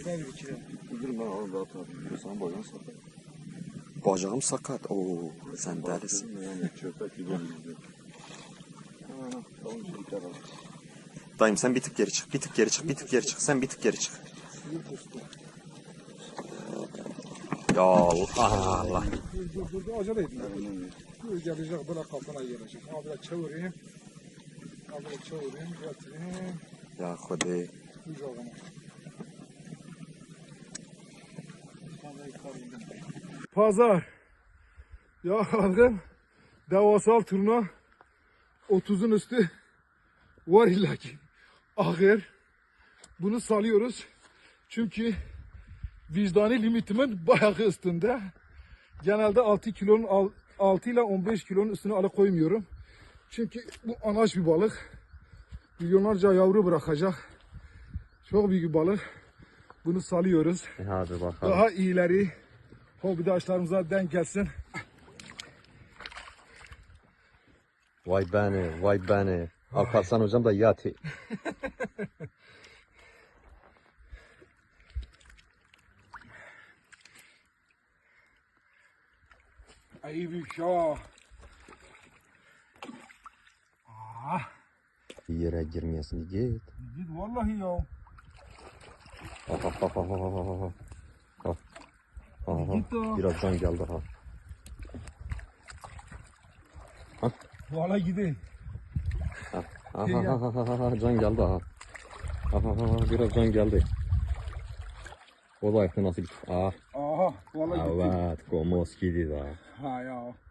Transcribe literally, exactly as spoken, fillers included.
Şöyle bir kere. Bugün ben orada atarım. Sen bacağın sakat. Bacağım sakat. Oo, sen delisin. Baktın mı yani çöpek gibi izliyor. Hemen ha. Tamam işte bir tarafa. Dayım sen bir tık geri çık. Bir tık geri çık. Bir tık geri çık. Sen bir tık geri çık. Suyu kustu. Ya Allah. Allah. Dur dur dur. dur. Acele edin. Dur gelecek böyle kafana gelecek. Ha böyle çevireyim. Ha böyle çevireyim. Getireyim. Ya Hudi. Kucağına. Pazar. Ya kalkın. Devasal turna. otuzun üstü var illaki. Ahır. Bunu salıyoruz. Çünkü vicdani limitimin bayağı üstünde. Genelde altı kilonun altı ile on beş kilonun üstüne alıp koymuyorum. Çünkü bu anaç bir balık. Milyonlarca yavru bırakacak. Çok büyük bir balık. Bunu salıyoruz. Hadi bakalım. Daha iyileri hobidaşlarımıza denk gelsin. Vay beni, vay beni. Alparslan hocam da yati. Ay büyük ya. Ah, Yere girmeyesin git. git vallahi ya. Aha, aha, aha, aha, aha. Aha, Git o. birazdan geldi ha. Vallahi gidin. Aha, aha, aha, aha, can geldi ha. Aha, aha, biraz can geldi. O da ayakta nasıl gitti? Ah, Aha, vallahi gitti. evet, komos gitti da. Ha ya.